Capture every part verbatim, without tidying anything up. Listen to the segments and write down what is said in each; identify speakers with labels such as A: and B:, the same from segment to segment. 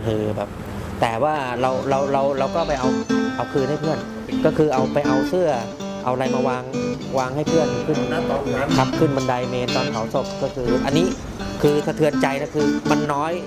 A: คือแบบ แต่ว่าเราเราเราเราก็ไปเอาเอาคืนให้เพื่อน ก็คือเอาไปเอาเสื้อเอาอะไรมาวางวางให้เพื่อนขึ้นครับขึ้นบันไดเมนตอนเผาศพก็คือ อันนี้คือสะเทือนใจนะคือมันน้อย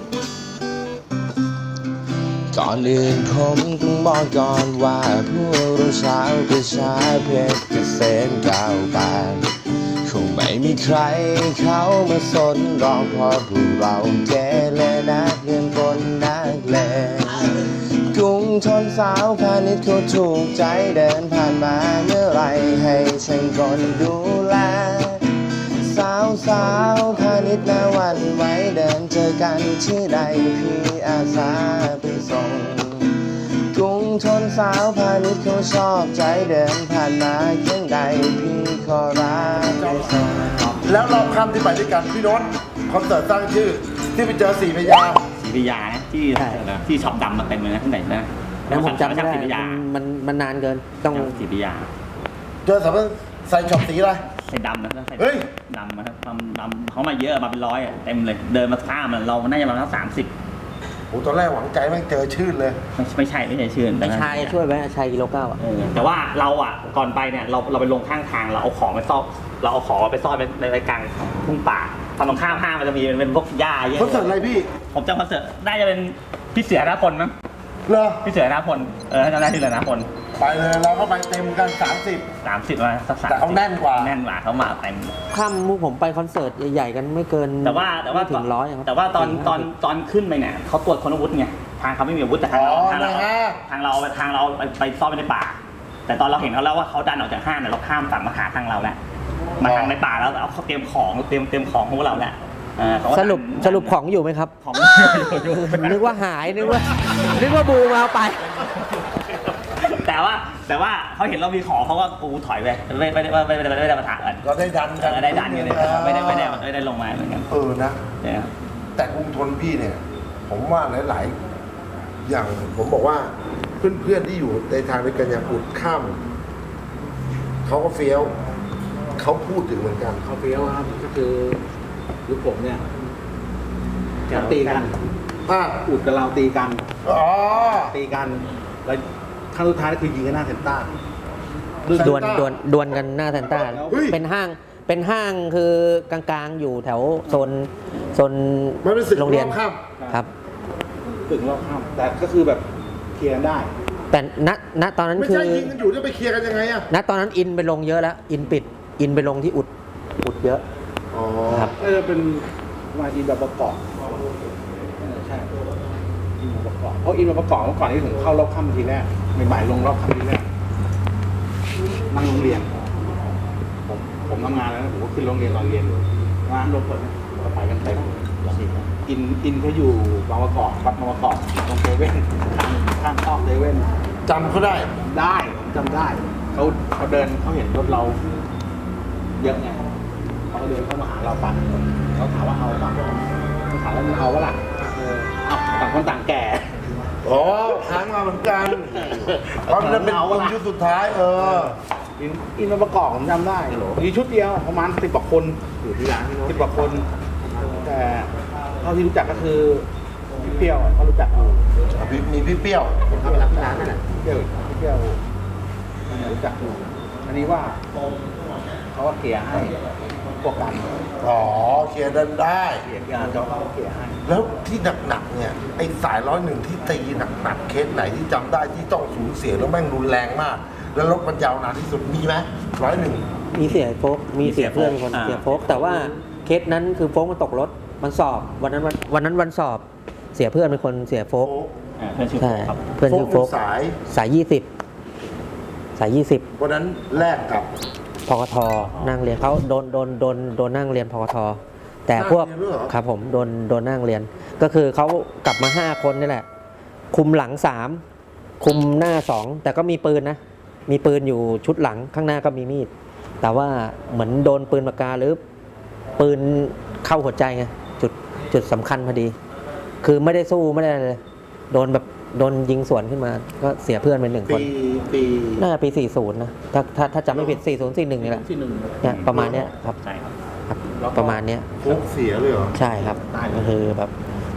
B: ก่อนอื่นผมต้องบอกก่อนว่าพวกเราชาวกระชาเพชรเกษมก้าวไปคงไม่มีใครเขามาสนรองเพราะพวกเราเกเรนักเรียนคนนักเลงกรุงทนสาวพาณิชย์เขาถูกใจเดินผ่านมาเมื่อไรให้ฉันคนดูแลสาวสาวพาณิชย์นาวันไว้เดินเจอกันที่ใดพี่อาสาไปส่งกรุงทนสาวพาณิชย์เขาชอบใจเดินผ่านมาเคียงใดพี่ขอรักไปส่ง
C: แล้วรอบค่ำที่ไปด้วยกันพี่โน้ตคอนเสิร์ตสร้างชื่อที่ไปเจอสี่พยา
D: สี่พยาที่ที่ช็อปดำมาเต็มเลยนะข้างในนะ
A: แล้วผมจำไม่ได้มันมันนานเกินต้อง
D: สี่พยา
C: เจอสาวใส่ช็อปสีอะไร
D: ใส่ดำนะใส่
C: เฮ้ย
D: ดำนะครับดำดำเขามาเยอะมาเป็นร้อยอ่ะเต็มเลยเดินมาข้ามเราน่าจะมาทั้งสามสิบ
C: โอ้ตอนแรกหวังใจไม่เจอชื่นเลย
D: ไม่ไม่ใช่ไม่ใช่ชื่น
A: ไอ้ชายช่วยไหมชายกิโลเก้าอ่ะ
D: แต่ว่าเราอ่ะก่อนไปเนี่ยเราเราไปลงข้างทางเราเอาของไปซ่อนเราเอาของไปซ่อนในในกลางทุ่งป่าตอนตรงข้ามห้างมันจะมีเป็นพวกหญ้าเยอะ
C: คอนเสิร์ตอะไรพี่
D: ผมจำคอนเสิร์ตน่าจะเป็นพี่เสือณพลมั้ง
C: เหรอ
D: พี่เสือณพลเออจำได้พี่เสือณพล
C: ไปเลยเราก็ไปเต็มกันสามสิบ
D: สามสิบมาสักสาม
C: แต่เขาแน่นกว่า
D: แน่นกว่าเขามาเต็ม
A: ค่ำมุกผมไปคอนเสิร์ตใหญ่ๆกันไม่เกิน
D: แต่ว่าแต่ว่า
A: ถึงร้อยครับ
D: แต่ว่าตอนตอนตอนขึ้นไปเนี่ยเขาตรวจคนอาวุธไงทางเขาไม่มีอาวุธแต่ทางเราทางเราทางเราทางเราไปซ่อนไว้ในป่าแต่ตอนเราเห็นเขาแล้วว่าเขาดันออกจากห้างเนี่ยเราข้ามฝั่งมาหาทางเราแหละมาทางในป่าแล้วเอาเขาเตรียมของเตรียมเตรียมของของเราแหละ
A: สรุปสรุปของอยู่ไหมครับ
D: ของ
A: นึกว่าหายนึกว่านึกว่าบูมาเอาไป
D: แต่ว่าแต่ว่าเขาเห็นเรามีของเขาก็กูถอยไปไม่ไม่ได้ไม่ได้ไม่ได้มาถามกัน
C: เราได้ดันกัน
D: ได้ดันกันเลยไม่ได้ไม่ได้ไม่ได้ลงมาเหมือนกัน
C: เออนะแต่กรุงทนพี่เนี่ยผมว่าหลายๆอย่างผมบอกว่าเพื่อนๆที่อยู่ในทางในกันอย่างอุดข้ามเขาก็เฟี้ยวเขาพูดถึงเหมือนกัน
E: เขาเฟี้ยวครับก็คือยุคผมเนี่ยจะตีกันอุดกับเราตีกัน
C: อ๋อ
E: ตีกันแล้วครั้งสุดท้ายก็คือยิงกันหน้าเซนต้า
A: ดวลดวลดวลกันหน้าเซนต้าเป็นห้างเป็นห้างคือกลางๆอยู่แถวโซนโซนโรงเรียนครับ
E: ถึงรอบข้ามแต่ก็คือแบบเคลียร์ได้
A: แต่ณณตอนนั้นคือ
C: ไม่ใช่ยิงกันอยู่จะไปเคลียร์กันยังไงอะ
A: ณตอนนั้นอินไปลงเยอะแล้วอินปิดอินไปลงที่อุดอุดเยอะ
C: อ๋อ
A: ครับ
E: ก็จะเป็นมาอินแบบประกอบใช่อินแบบประกอบเพราะอินแบบประกอบเมื่อก่อนที่ผมเข้ารอบค่ำทีแรกใหม่ๆลงรอบค่ำทีแรกนั่งโรงเรียนผมผมทำงานแล้วผมก็ขึ้นโรงเรียนตอนเรียนงานรถเปิดก็ไปกันเต็มอินอินเขาอยู่บางประกอบวัดบางประกอบตรงเซเว่นข้างข้างซอกเซเว่น
C: จำเขาได้
E: ได้จำได้เขาเขาเดินเขาเห็นรถเราเยอะไงเขาเดินเข้ามาหาเราปั่นเขาถามว่าเอาป่ะเขาถามว่ามันเอาวะล่ะเออเอาต่างคนต่างแก่
C: อ๋อค้างมาเหมือนกันเพราะมันเป็นคนชุดสุดท้ายเออ
E: อินอินมาประกอบผมจำได้มีชุดเดียวประมาณสิบกว่าคนอยู่ที่ร้านสิบกว่าคนแต่เท่าที่รู้จักก็คือพี่เปรี้ยวเขารู้จักอยู่
C: มีพี่เปรี้ยว
E: ผมทำไปรับที่ร้านนั่นแหละพี่เปรี้ยวพี่เปรี้ยวรู้จักอยู่อันนี้ว่าเขาก็เกลี่ยให้พวกกัน
C: อ๋อเคลียร์ดันได้
E: เกลี่ยงานเขาเขาเกลี่ยให้
C: แล้วที่หนักๆเนี่ยไอ้สายร้อยหนึ่งที่ตีหนักๆเคสไหนที่จำได้ที่ต้องสูญเสียแล้วแม่งรุนแรงมากแล้วรถมันยาวนานที่สุดมีไหมร้อยหนึ่ง
A: มีเสียโฟกมีเสียเพื่อนคนเสียโฟกแต่ว่าเคสนั้นคือโฟกมันตกรถมันสอบวันนั้นวันวันนั้นวันสอบเสียเพื่อนเป็นคนเสียโฟก
D: เพื่อนชื่อโฟกครับ
A: เพื่อนชื่อโฟก
C: สาย
A: สายยี่สิบสายยี่สิบ
C: วันนั้นแลกกับ
A: พกทนั่งเรียนเขาโดนโดนโดนโดนนั่งเรียนพกทแต่พวกครับผมโดนโดนนั่งเรียนก็คือเขากลับมาห้าคนนี่แหละคุมหลังสามคุมหน้าสองแต่ก็มีปืนนะมีปืนอยู่ชุดหลังข้างหน้าก็มีมีดแต่ว่าเหมือนโดนปืนปากกาหรือปืนเข้าหัวใจไงจุดจุดสำคัญพอดีคือไม่ได้สู้ไม่ได้เลยโดนแบบโดนยิงสวนขึ้นมาก็เสียเพื่อนไปหนึ่งคน
C: ปี
A: น่าจะปีสี่สิบนะถ้าถ้าถ้าจำไม่ผิดสี่สิบ สี่สิบเอ็ดนี่แหละเนี่ยประมาณเนี้ยครับ
D: ใช่ครับ
A: ประมาณเนี้ย
C: ฟุกเสียเลยเหรอ
A: ใช่ครับก็คือแบบ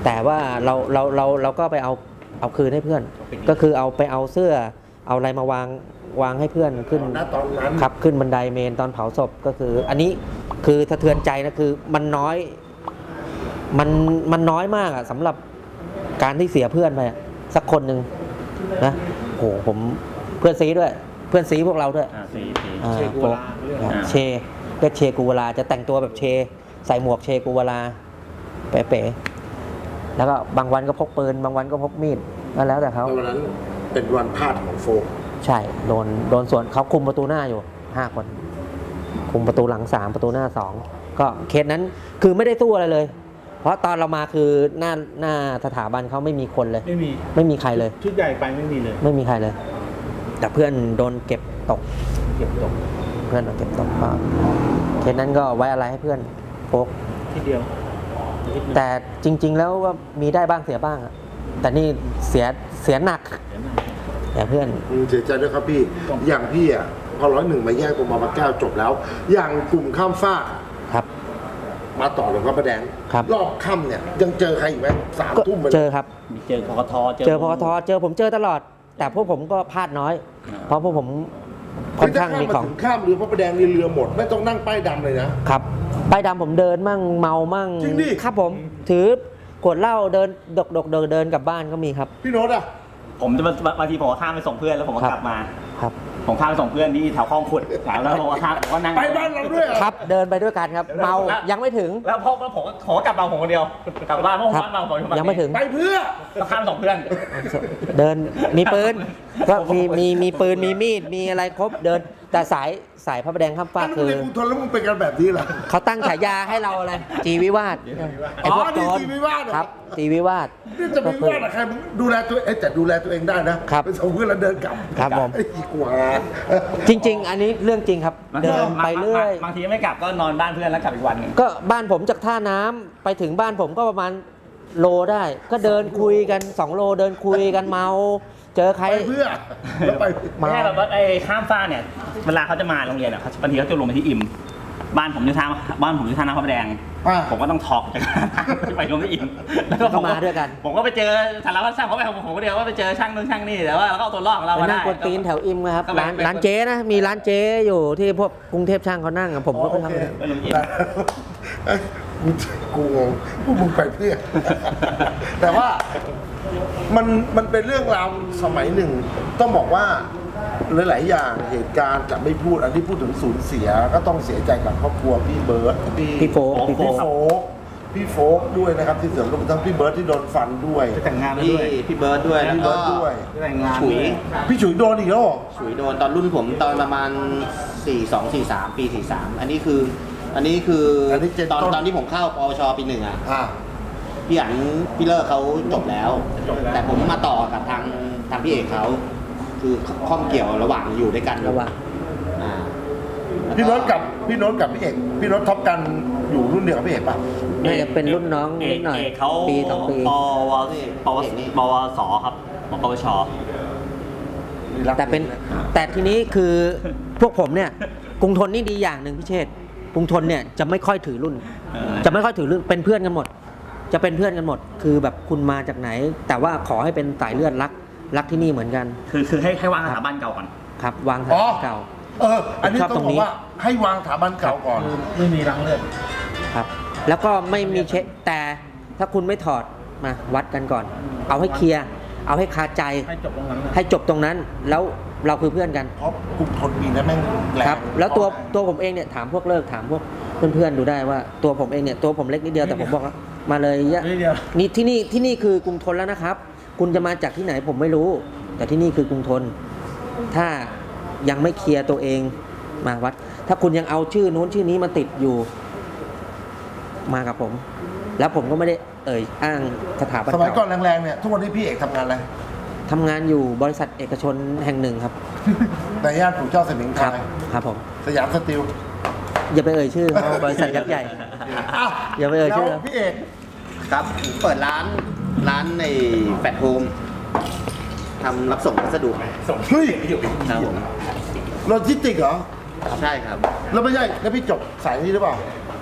A: แต่ว่าเราเราเราเราก็ไปเอาเอาคืนให้เพื่อน ก็คือเอาไปเอาเสื้อเอาอะไรมาวางวางให้เพื่อนขึ้น
C: ณตอนนั้น
A: ครับขึ้นบันไดเมนตอนเผาศพก็คือ อันนี้คือสะเทือนใจนะคือมันน้อยมันมันน้อยมากอะสำหรับการที่เสียเพื่อนไปอะสักคนหนึ่งนะโอ้โหผมเพื่อนซีด้วยเพื่อนซีพวกเราด้วย
D: อ่าสี่สี่
A: อ่า
E: เชกูวาลาเรื่อง
A: อ่า
D: อ่า
A: เชเรียกเชกูวาลาจะแต่งตัวแบบเช ใส่หมวกเชกูวาลาเป๋ๆแล้วก็บางวันก็พกปืนบางวันก็พกมีดก็แล้วแต่เขา
C: แล้ววันนั้นเป็นวันพลาดของโฟก
A: ใช่โดนโดนสวนเขาคุมประตูหน้าอยู่ห้าคน คุมประตูหลังสามประตูหน้าสองก็เคสนั้นคือไม่ได้สู้อะไรเลย เพราะตอนเรามาคือหน้าหน้าสถาบันเขาไม่มีคนเลย
E: ไม่มี
A: ไม่มีใครเลย
E: ชุดใหญ่ไปไม่มีเลย
A: ไม่มีใครเลย แต่เพื่อนโดนเก็บตก
E: เก็บตก
A: เพื่อนโดนเก็บตกก็เคสนั้นก็ไว้อะไรให้เพื่อนโฟก
E: ทีเดียวนิดนึง
A: แต่จริง ๆ แล้วก็มีได้บ้างเสียบ้างอะแต่นี่เสียเสียหนัก
E: เดี๋ยวนะ
A: แต่เพื่อน
C: อืมเสียใจด้วยครับพี่ อย่างพี่อ่ะพอร้อยหนึ่งมาแยกตัวมาปะแก้วจบแล้ว อย่างกลุ่มข้ามฟาก
A: ครับ
C: มาต่อหลวงพ่อประแดง
A: ครับ
C: รอบค่ำเนี่ยยังเจอใครอีกไหมสาม
A: ก็
C: ทุ่มไป
A: เจอครับ
D: มีเจอพกท
A: เจอพกทเจอผมเจอตลอด แต่พวกผมก็พลาดน้อย เพราะพวกผมค่อนข้างมีของ
C: ถึงข้ามเรือพระประแดงนี่เรือหมดไม่ต้องนั่งป้ายดำเลยนะครับ
A: ป้ายดำผมเดินมั่งเมามั่ง
C: จริงดิ
A: ครับผมถือกดเหล้าเดินดกดกเดินเดินกลับบ้านก็มีครับ
C: พี่โน้ตอ่ะ
D: ผมจะบางทีผมก็ข้ามไปส่งเพื่อนแล้วผมก็
A: ครับ
D: กลับมา
A: ครับ
D: ผมข้ามไปส่งเพื่อนที่แถวคลองขุดแถวแล้วผมก็ข้ามผมก็นั่ง
C: ไปบ้านเราด้วยเหรอ
A: ครับเดินไปด้วยกันครับ เมายังไม่ถึง
D: แล้วพอแล้วผมก็ผมก็กลับมาผมคนเดียวกลับบ้านเพราะผม
A: ครับ
D: บ้านมาผม
A: ยังไม่ถึง
C: ไปเพื่อ
D: ก็ข้ามส่งเพื่อน
A: เดินมีปืนก็มีมีมีปืนมีมีดมีอะไรครบเดิน แต่สายสายพระประแดงข้ามฟาก
C: อันนั้น
A: คือ
C: เรียนกรุงทนแล้วมึงเป็นกันแบบนี้เหรอ
A: เขาตั้งฉายาให้เราอะไรจีวิวาทไอ้พวก
C: อ๋อ
A: โจ
C: นี่
A: ร
C: จีวิวาทเหรอ
A: ครับจีวิวาท
C: นี่จะไปว่าแต่ใครมึงดูแลตัวเองแต่ดูแลตัวเองได้นะครับ ไปส่งเพื่อนแล้วเดินกลับ
A: ครับผม
C: ไอ้อีกว่า
A: จริง ๆ อันนี้เรื่องจริงครับ เดินไปเรื่อย
D: บางทีไม่กลับก็นอนบ้านเพื่อนแล้วกลับอีกวันหนึ่ง
A: ก็บ้านผมจากท่าน้ำไปถึงบ้านผมก็ประมาณโลได้ ก็เดินคุยกันสองโลเดินคุยกันเมา เจอใคร
C: ไปเพื่อแล้วไป
D: ไม่ใช่แบบว่าไอ้ข้ามฟ้ากเนี่ยเวลาเขาจะมาโรงเรียนอ่ะเขาบางทีเขาจะลงไปที่อิมบ้านผมอยู่ท่าบ้านผมอยู่ท่าน้ำพระประแดง
C: อ่า
D: ผมก็ต้องถอกจากไปลงที่อิมแล้วก็
A: ก็มาด้วยกัน
D: ผมก็ไปเจอสารวัตรช่างเขาไปผมก็เดียวว่าไปเจอช่างนู่นช่างนี่แต่ว่าเราก็เอาตัวรอดของเรา
A: ไป
D: มา
A: นั่
D: ได้
A: งกวนตีนแถวอิมนะครับ
D: ก็ไป
A: ร้าน
D: ไป
A: ร้านเจ๊นะ มีร้านเจ๊อยู่ที่พวกกรุงเทพช่างเขานั่งอะผมก็ไป
C: โอ
A: ทำ
C: เค
D: ไปลงอิม
C: เอ้ยกูกูงงพวกมึงไปเพื่อ แต่ว่ามันมันเป็นเรื่องราวสมัยหนึ่ง ต้องบอกว่าหลายๆอย่างเหตุการณ์จะไม่พูดอันที่พูดถึงสูญเสีย ก็ต้องเสียใจกับครอบครัวพี่เบิร์ตพี่
A: พี่โฟกพี่โฟ
C: พี่
A: ก
C: โฟกพี่โฟกด้วยนะครับที่เสริมรวมทั้งพี่เบิร์ตที่โดนฟันด้วย
E: จะแต่งงานแล้ว
F: พี่
E: ด้วย
F: พี่เบิร์ดด้วย
C: พี่
F: แล้ว
C: เบิ
F: ก็
C: ร์ตด้วย
E: จะแต่งงาน
F: ฉุย
E: ด้วย
C: พี่ฉุยโดนอีกแล้วเหรอ
F: ฉุยโดนตอนรุ่นผมตอนประมาณสี่สอง สี่สามปีสี่สามอันนี้คือ อันนี้คืออน
C: นี้เจน
F: ตอน
C: ต้น
F: ตอนที่ผมเข้าปวชปีหนึ่งอ่ะ
C: อ่า
F: พี่อันพี่เลิกเขาจบแล้ว แต่ผมมาต่อกับทางทางพี่เอกเขาคือข้องเกี่ยวระหว่างอยู่ด้วยกัน
A: ระหว่าง
F: อ่าแล้ว
C: พี่โน้ตกับพี่โน้ตกับพี่เอกพี่โน้ตท็อปกันอยู่รุ่นเดียวกับพี่เอกป่ะ
A: น่าจะเป็นรุ่นน้องนิดหน่อย
D: เอกเขา
A: ปีสองปี
D: ปวปวปวสครับปวช
A: แต่เป็นแต่ทีนี้คือพวกผมเนี่ยกรุงทนนี่ดีอย่างหนึ่งพี่เชษฐ์กรุงทนเนี่ยจะไม่ค่อยถือรุ่น
D: เออ
A: จะไม่ค่อยถือรุ่นเป็นเพื่อนกันหมด จะเป็นเพื่อนกันหมด คือแบบคุณมาจากไหน แต่ว่าขอให้เป็นสายเลือดรักรักที่นี่เหมือนกัน
D: คือคือให้ให้วางสถาบันเก่าก่อน
A: ครับ วาง
C: อ๋อ
A: ฐานเก่า
C: เออ อันนี้
A: ชอบ
C: ต้อง
A: ตรง
C: บอ
A: นี้
C: กว่าให้วางสถาบันเก่าก่อน
E: ไม่มีรังเลือด
A: ครับ แล้วก็ไม่มีเช็คแต่ถ้าคุณไม่ถอดมาวัดกันก่อน เอาให้เคลียร์เอาให้คาใจ
E: ให้จบตรงนั้นนะ
A: ให้จบตรงนั้น แล้วเราคือเพื่อนกัน
C: เพราะกลุ่มทนปีนั้นแม่งแรง
A: ครับ แล้วตัวตัวผมเองเนี่ยถามพวกเลิกถามพวกเพื่อนๆดูได้ว่าตัวผมเองเนี่ยตัวผมเล็กนิดเดียวแต่ผมบอกว่ามาเลยยะ
E: นิดเดียว
A: นี่ที่นี่ที่นี่คือกรุงทนแล้วนะครับ คุณจะมาจากที่ไหนผมไม่รู้ แต่ที่นี่คือกรุงทน ถ้ายังไม่เคลียร์ตัวเองมาวัด ถ้าคุณยังเอาชื่อนู้นชื่อนี้มาติดอยู่มากับผม แล้วผมก็ไม่ได้เอ่ยอ้างสถาบัน
C: สมัยก่อน
A: เก่า
C: แรงๆเนี่ยทุกวันนี้พี่เอกทำงานอะไร
A: ทำงานอยู่บริษัทเอกชนแห่งหนึ่งครับ
C: ในย่านปู่เจ้าสมิง
A: ค
C: พ
A: รั
C: รา
A: บ
C: ย
A: ครับผม
C: สยามสตีล
A: อย่าไปเอ่ยชื่อเขาบริษัทยักษ์ใหญ่
C: อ่ะ
A: อย่าไปเอ่ยชื่อ
C: แล้วพี่เอก
F: ครับเปิดร้านร้านในแฟลตโฮมทำรับส่งพัสดุ
C: เฮ้ย
F: ครับผม
C: โลจิสติกเหรอ
F: ใช่ครับ
C: แล้วไม่ใช่ แล้วพี่จบสายนี้หรือเปล่า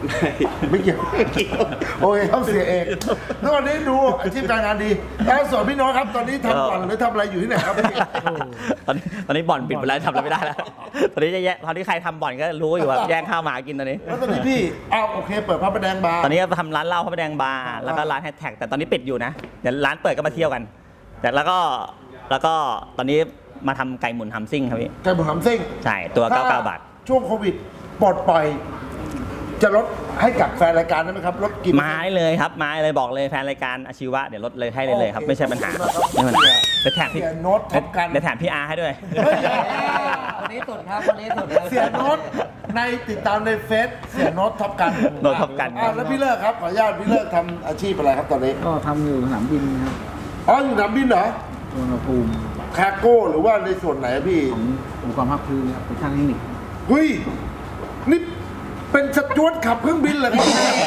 C: ไม่เกี่ยวโอเคครับเสียเอกแล้ววันนี้ดูอาชีพการงานดีแล้วส่วนพี่โน้ตครับตอนนี้ทำบ่อนหรือทำอะไรอยู่ที่ไหนครับพี่
D: ตอนนี้ตอนนี้บ่อนปิดไปแล้วทำอะไรไม่ได้แล้ว ตอนนี้จะแยกตอนนี้ใครทำบ่อนก็รู้อยู่ว่าแย่งข้าวหมากินตอนนี้
C: แล้วตอนนี้พี่อ้าวโอเคเปิดพระประแดงบาร์
D: ตอนนี้ก็ทำร้านเหล้าพระประแดงบาร์แล้วก็ร้านแฮชแท็กแต่ตอนนี้ปิดอยู่นะเดี๋ยวร้านเปิดก็มาเที่ยวกัน แต่แล้วก็แล้วก็ตอนนี้มาทำไก่หมุนทำซิ่งครับพี่
C: ไก่หมุนหำซิ่ง
D: ใช่ตัวเก้าสิบเก้าบาท
C: ช่วงโควิดปลดปล่อย จะลดให้กับแฟนรายการได้ไหมครับลดกี่เปอร์
D: มา
C: เซ็นต์
D: ได้เลยครับมาได้เลยบอกเลยแฟนรายการอาชีวะเดี๋ยวลดเลยให้เลยเลยครับ
C: โอเค
D: ไม่ใช่ปัญหา
C: ขอบคุณมากครับ
D: ไม่เป็นไรเดี๋ยวแถมพี่
C: เสียโน้ตท็อปกัน
D: เดี๋ยวแถมพี่อาร์ให้ด้วย
C: เฮ้ย
A: คนนี้สุดครับคนนี้สุดเลย
C: เสียโน้ตในติดตามในเฟซเสียโน้ตท็อปกัน
D: โน้ตท็อปกัน
C: อ่าแล้วพี่เลิกครับขออนุญาตพี่เลิกทำอาชีพอะไรครับตอนนี้
E: ก็ทำอยู่สนามบินครับ
C: อ๋ออยู่สนามบินเหรอ
E: สุวรรณภูมิ
C: คาโก้หรือว่าในส่วนไหนอะพี่
E: ขององค์กรภาคพื้นครับเป็นช่างเทคนิค
C: เฮ้ยนี่เป็นสจวตขับเครื่องบินเหรอครับ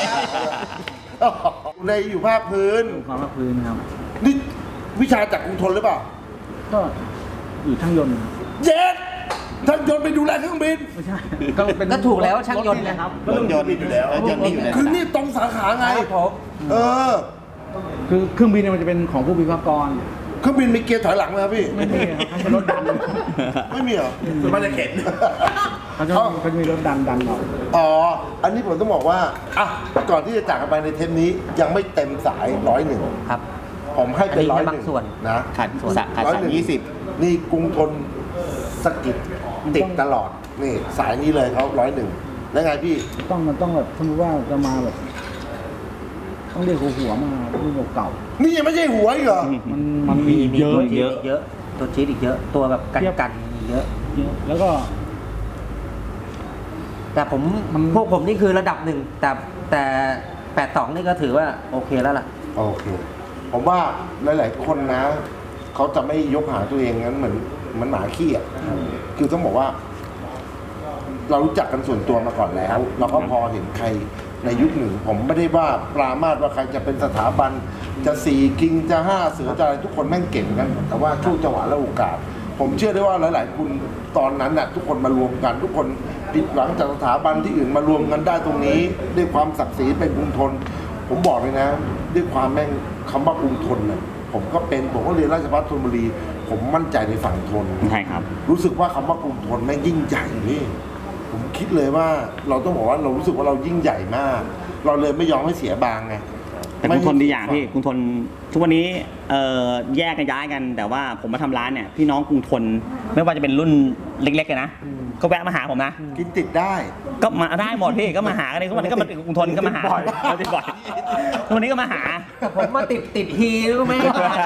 C: ในอยู่ภาคพื้น
E: องค์กรภาคพื้นครับ
C: นี่วิชาจากกรุงทนหรือเปล่า
E: ก็อยู่ช่างยนต์ครับ
C: เย็ดท่านยนต์ไปดูแลเครื่องบิน
E: ไม่ใช่ ก็เป็น
A: ก็ถูกแล้วช่างยนต์
E: รถ
A: นะครับ
F: รถยนต์อยู่แล้วรถยนต์นี่อยู่ใน
C: คือนี่ตรงสาขาไง
A: ครับผม
C: เออ
E: คือเครื่องบินเนี่ยมันจะเป็นของผู้วิศวกร
C: เครื่องบินมีเกียร์ถอยหลังไหมครับพี่
E: ไม่มีครับเขาเป็นรถดัน
C: ไม่มีเหรอ
F: ส่วนมากจะเข็น
E: เขาจะเขาจะมีรถดันดันออก
C: อ๋อ อันนี้ผมต้องบอกว่าอ่ะก่อนที่จะจากกันไปในเทปนี้ยังไม่เต็มสายร้อยหนึ่ง
A: ครับ
C: ผมให้เป็น
A: อั
C: ร้อน ย
A: นี้
C: ห
A: แค่
C: นึ่ง
A: บางส่วน
C: นะ
F: ขาดสะขาด
C: ร้อย
F: สา
C: หนึ่ง
F: ยี่สิบ
C: นี่กรุงทนสกิดติดตลอด นี่สายนี้เลยเขาร้อยหนึ่งแล้วไงพี่
E: ต้องมันต้องแบบสมมติว่าจะมาแบบ ต้องเรียกหัวหัวมารุ่นเก่า
C: นี่ยังไม่ใช่หัวอีกเหรอ
E: ๆมันมันมี
A: มี
E: เยอะ
A: ตัวจี๊
D: เย
A: ด
D: อะ
A: อีกเยอะ ตัวจี๊ดอีกเยอะ ตัวแบบกัน
E: เทียบ
A: กันเยอะ
E: เยอะ แล้วก็
A: แต่ผม
E: มัน
A: พวกผมนี่คือระดับหนึ่งแต่แต่แปดสองนี่ก็ถือว่าโอเคแล้วล่ะ
C: โอเค ผมว่าหลาย ๆ คนนะ เขาจะไม่ยกหาตัวเองงั้นเหมือนเหมันหมาขี้อ่ะ คือต้องบอกว่า เรารู้จักกันส่วนตัวมาก่อนแล้ว เราก็พอเห็นใครในยุคหนึ่ง ผมไม่ได้ว่าปรามาสว่าใครจะเป็นสถาบัน จะสี่กิงจะห้าเสือจะอะไรทุกคนแม่งเก่งกัน แต่ว่าช่วงจังหวะและโอกาส ผมเชื่อได้ว่าหลาย ๆ คุณตอนนั้นน่ะทุกคนมารวมกัน ทุกคนผิดหวังจากสถาบันที่อื่นมารวมกันได้ตรงนี้ด้วยความศักดิ์ศรีเป็นกรุงทน ผมบอกเลยนะ ด้วยความแม่งคำว่ากรุงทนน่ะผมก็เป็นผมก็เรียนราชภัฏธนบุรี ผมมั่นใจในฝั่งทน
D: ใช่ครับ
C: รู้สึกว่าคำว่ากรุงทนแม่งยิ่งใหญ่นี่ผมคิดเลยว่าเราต้องบอกว่าเรารู้สึกว่าเรายิ่งใหญ่มาก เราเลยไม่ยอมให้เสียบางไง
D: แต่กรุงทนดีอย่างพี่กรุงทนทุกวันนี้เอ่อแยกกันย้ายกัน แต่ว่าผมมาทำร้านเนี่ยพี่น้องกรุงทนไม่ว่าจะเป็นรุ่นเล็กๆเลยนะก็แวะมาหาผมนะ
C: กินติดได้
D: ก็มาได้หมดพี่ก็มาหากันเลยทุกวันนี้ก็มาถึงกรุงทนก็มาหา
C: ติดบ่อย
D: เราติดบ่อยทุกวันนี้ก็มาหา
A: แต่ผมมาติดติดฮีรู้ไหม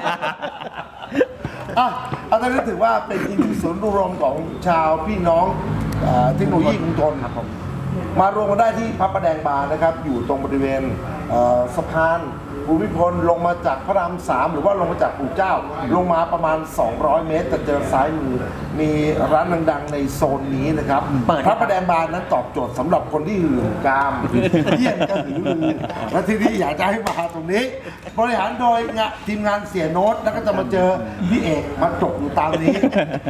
C: อ่ะเอาตอนนี้ถือว่าเป็นอีกหนึ่งศูนย์รวมของชาวพี่น้องเอ่อเทคโนโลยีกรุงทนครับผมมารวมกันได้ที่พระประแดงบาร์นะครับ อยู่ตรงบริเวณเอ่อสะพานภูมิพลลงมาจากพระรามสามหรือว่าลงมาจากปู่เจ้า ลงมาประมาณ สองร้อย เมตรจะเจอซ้ายมือมีร้านดังๆในโซนนี้นะครับ
A: เปิด
C: พระประแดงบาร์นั้นตอบโจทย์สำหรับคนที่หื่นกามเยี่ยนก็หือลือและที่นี่อยากจะให้มาตรงนี้ บริหารโดยงะทีมงานเสียโน้ตแล้วก็จะมาเจอพี่เอกมาจบอยู่ตามนี้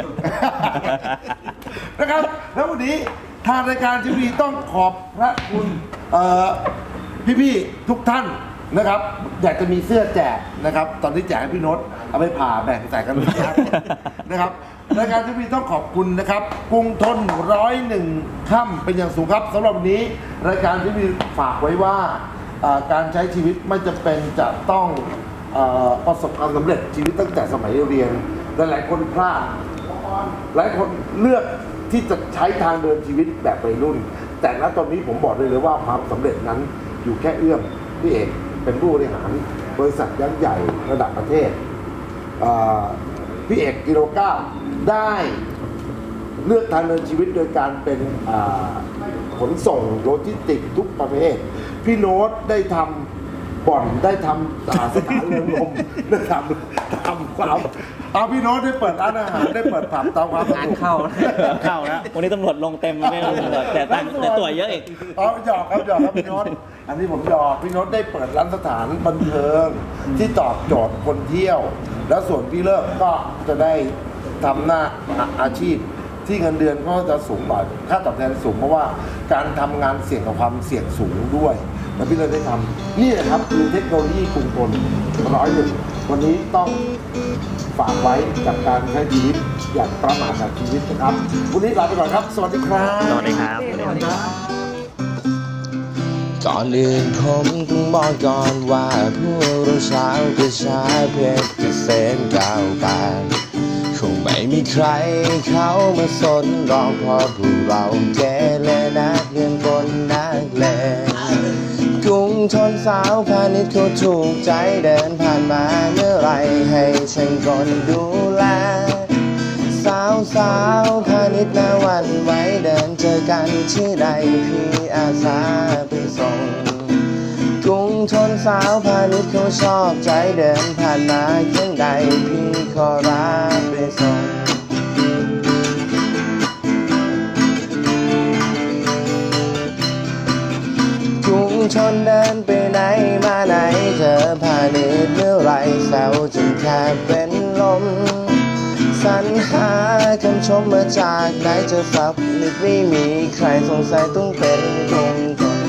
C: นะครับแล้ววันนี้ทางรายการทีวีต้องขอบพระคุณเอ่อพี่ๆทุกท่านนะครับ อยากจะมีเสื้อแจกนะครับ ตอนที่แจกให้พี่โน้ตเอาไปผ่าแบ่งใส่กันนะครับ นะครับรายการทีวีต้องขอบคุณนะครับกรุงทนร้อยหนึ่งค่ำเป็นอย่างสูงครับสำหรับวันนี้รายการทีวีฝากไว้ว่าเอ่อการใช้ชีวิตไม่จำเป็นจะต้องเอ่อประสบความสำเร็จชีวิตตั้งแต่สมัยเรียนหลายๆคนพลาด หลายคนเลือกที่จะใช้ทางเดินชีวิตแบบวัยรุ่น แต่ณตอนนี้ผมบอกได้เลยว่าความสำเร็จนั้นอยู่แค่เอื้อมพี่เอกเป็นผู้บริหารบริษัทยักษ์ใหญ่ระดับประเทศเอ่อพี่เอกกิโลเก้าได้เลือกทางเดินชีวิตโดยการเป็นอ่าขนส่งโลจิสติกส์ทุกประเภท พี่โน้ตได้ทำบ่อนได้ทำอ่าสถานเรือนลมได้ทำทำความเอาพี่โน้ตได้เปิดร้านอาหารได้เปิดผับตามความสะดวก
A: งานเข้า
D: เข้าแล้ววันนี้ตำรวจลงเต็มไม่รู้ตำรวจแต่ตังค์แต่ตัวเยอะอีก
C: อ๋อหยอกครับหยอกครับพี่โน้ตอันนี้ผมหยอกพี่โน้ตได้เปิดร้านสถานบันเทิงที่ตอบโจทย์คนเที่ยว แล้วส่วนพี่เลิกก็จะได้ทำหน้าอาอาชีพที่เงินเดือนก็จะสูงกว่าค่าตอบแทนสูงเพราะว่าการทำงานเสี่ยงกับความเสี่ยงสูงด้วยแล้วพี่เลยได้ทำนี่แหละครับคือเทคโนโลยีกรุงทนร้อยหนึ่งวันนี้ต้องฝากไว้กับการใช้ชีวิตอย่างประมาทกับชีวิตนะครับวันนี้ลาไปก่อนครับสวัสดีครับ
D: สวัสดีครับสวัสดีครับ
B: ก่อนอื่นผมต้องบอกก่อนว่าพวกเราชาวกระชาเพชรเกษมก้าวไปคงไม่มีใครเขามาสนรองเพราะพวกเราเกเรนักเรียนคนนักเลงกรุงทนสาวพาณิชย์เขาถูกใจเดินผ่านมาเมื่อไรให้ฉันคนดูแลสาวสาวพาณิชย์นาวันไว้เดินเจอกันที่ใดพี่อาสาไปส่งกรุงทนสาวพาณิชย์เขาชอบใจเดินผ่านมาเคียงใดพี่ขอรับไปส่งกรุงทนเดินไปไหนมาไหนเจอพาณิชย์เมื่อไรแซวจนแทบเป็นลมสรรหาคำชมมาจากไหนจะสับนิดไม่มีใครสงสัยต้องเป็นกรุงทน